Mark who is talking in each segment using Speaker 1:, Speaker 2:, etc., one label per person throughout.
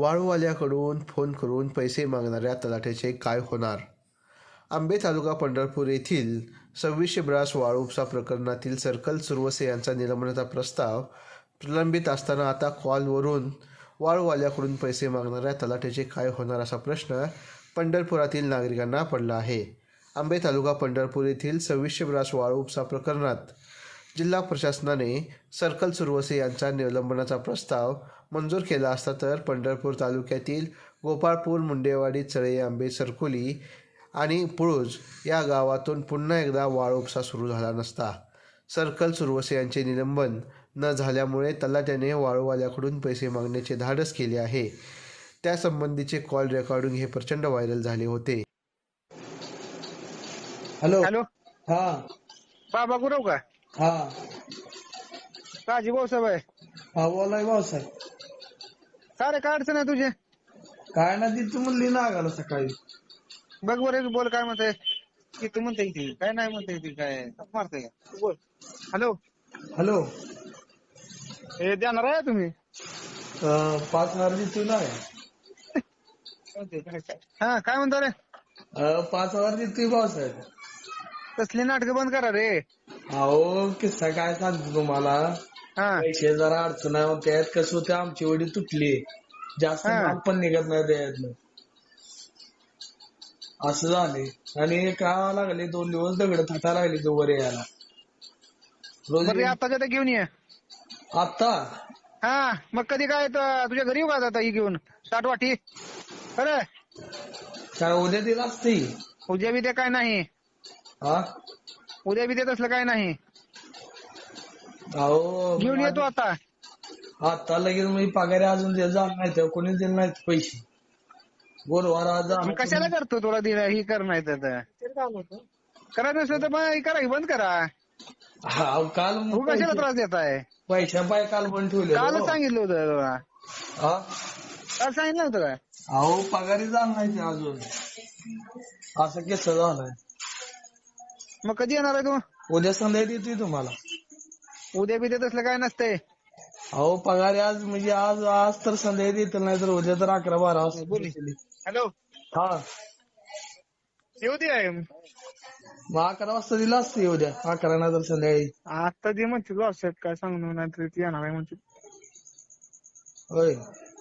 Speaker 1: वाळूवाल्याकडून phone करून पैसे मागणाऱ्या तलाठ्याचे काय होणार? आंबे तालुका पंढरपूर येथील 2600 ब्रास वाळू उपसा प्रकरणातील सर्कल सुरवसे यांचा निलंबनाचा प्रस्ताव प्रलंबित असताना आता कॉलवरून वाळूवाल्याकडून पैसे मागणाऱ्या तलाठ्याचे काय होणार असा प्रश्न पंढरपुरातील नागरिकांना पडला आहे. आंबे तालुका पंढरपूर येथील 2600 ब्रास वाळू उपसा प्रकरणात जिल्हा प्रशासनाने सर्कल सुरवसे यांचा निलंबनाचा प्रस्ताव मंजूर केला असता तर पंढरपूर तालुक्यातील गोपाळपूर, मुंडेवाडी, चळे, आंबे, सरकोली आणि पुळूज या गावातून पुन्हा एकदा वाळू उपसा सुरू झाला नसता. सर्कल सुरवसे यांचे निलंबन न झाल्यामुळे तलाट्याने वाळूवाल्याकडून पैसे मागण्याचे धाडस केले आहे. त्यासंबंधीचे कॉल रेकॉर्डिंग हे प्रचंड व्हायरल झाले होते.
Speaker 2: हॅलो
Speaker 3: हॅलो
Speaker 2: हा
Speaker 3: बाबा गुरव का
Speaker 2: हा
Speaker 3: काजी भाऊसाहेब आहे.
Speaker 2: हा बोलाय भाऊसाहेब.
Speaker 3: काय रे काय अडचण आहे तुझे?
Speaker 2: काय ना ती तू म्हणली ना आगाला सकाळी.
Speaker 3: बघ बरं बोल काय म्हणते की तू म्हणते ती काय नाही म्हणते ती काय मारते का बोल. हॅलो
Speaker 2: हॅलो
Speaker 3: हे देणार आहे तुम्ही
Speaker 2: 5,000 देतोय ना.
Speaker 3: हा काय म्हणतो रे?
Speaker 2: 5,000 देतोय भाऊसाहेब.
Speaker 3: कसली नाटकं बंद करा रे.
Speaker 2: अहो किस्सा काय सांगतो तुम्हाला.
Speaker 3: हा
Speaker 2: पैसे जरा अडचण आहे. त्यात कसं होतं आमची वडी तुटली. जास्त माल पण निघत नाही त्यातलं. असं झाले आणि काय लागले 2 दिवस दगड थाटा लागले तो वर यायला. रोज
Speaker 3: बरं आताच्या तर घेऊन ये.
Speaker 2: आता
Speaker 3: हा मग कधी काय तुझ्या घरी येऊ का आता ही घेऊन 60 वाटी? अरे
Speaker 2: काय उद्या दिला असते.
Speaker 3: उद्या बी ते काय नाही.
Speaker 2: हा
Speaker 3: उद्या बी ते तसलं काय नाही.
Speaker 2: अहो
Speaker 3: घेऊन येतो आता.
Speaker 2: आता लगेच मी पगारी अजून जाणार नाही तेव्हा कोणी दिले नाहीत पैसे. बोलवार आज
Speaker 3: मग कशाला करतो तुला दिला ही कर नाही तर करायचं नसलं तर मग करा की बंद करा.
Speaker 2: हा काल
Speaker 3: तू कशाला त्रास देत आहे?
Speaker 2: पैशा पाय काल पण ठेवले.
Speaker 3: कालच सांगितलं होतं तुला.
Speaker 2: हा
Speaker 3: काल सांगितलं होतं काय?
Speaker 2: अहो पगारी जाणार नाही ते अजून. असं कसं झालंय.
Speaker 3: मग कधी येणार आहे तू?
Speaker 2: उद्या संध्याकाळी देतोय तुम्हाला.
Speaker 3: उद्या बी देत असलं काय नसतंय.
Speaker 2: अहो पगारी आज म्हणजे आज तर संध्याकाळी देत नाही तर उद्या तर 11-12 वाजता.
Speaker 3: हॅलो
Speaker 2: हा
Speaker 3: येऊ दे.
Speaker 2: मग 11 वाजता दिला असते उद्या. 11 नाही तर संध्याकाळी.
Speaker 3: आता जे म्हणते व्हॉट्सअप काय सांगू नाही तर ती येणार आहे म्हणते.
Speaker 2: होय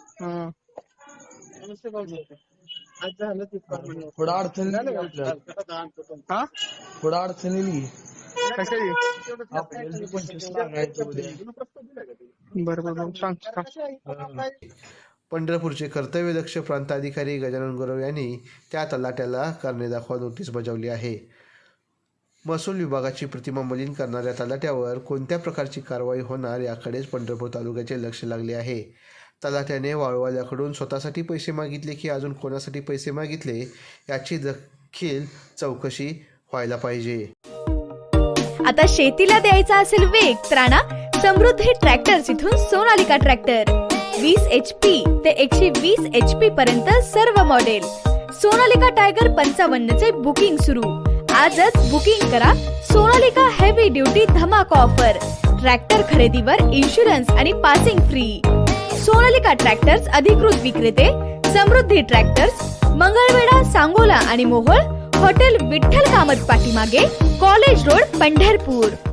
Speaker 2: थोडं अडचण येईल आपल्याला.
Speaker 3: हा
Speaker 2: थोडं अडचण येईल.
Speaker 3: कशाची?
Speaker 2: आपल्याला 25 लागायचं उद्या.
Speaker 3: बरोबर सांग.
Speaker 1: पंढरपूरचे कर्तव्यदक्ष प्रांताधिकारी गजानन गुरव यांनी त्या तलाट्याला कारणे दाखवा नोटीस बजावली आहे. महसूल विभागाची प्रतिमा मलिन करणाऱ्या तलाट्यावर कोणत्या प्रकारची कारवाई होणार याकडेच पंढरपूर तालुक्याचे लक्ष लागले आहे. तलाट्याने वाळूवाल्याकडून स्वतःसाठी पैसे मागितले की अजून कोणासाठी पैसे मागितले याची देखील चौकशी व्हायला पाहिजे.
Speaker 4: आता शेतीला द्यायचा असेल वेग तर आणा समृद्धी ट्रॅक्टर्स इथून सोनालिका ट्रॅक्टर. 20 HP ते 120 HP पर्यंत सर्व मॉडेल. सोनालिका टायगर 55 चे बुकिंग सुरू. आजच बुकिंग करा. सोनालिका हेवी ड्युटी धमाका ऑफर. ट्रॅक्टर खरेदीवर इन्शुरन्स आणि पासिंग फ्री. सोनालिका ट्रॅक्टर्स अधिकृत विक्रेते समृद्धी ट्रॅक्टर्स, मंगळवेढा, सांगोला आणि मोहोळ. हॉटेल विठ्ठल कामत पाठीमागे, कॉलेज रोड, पंढरपूर.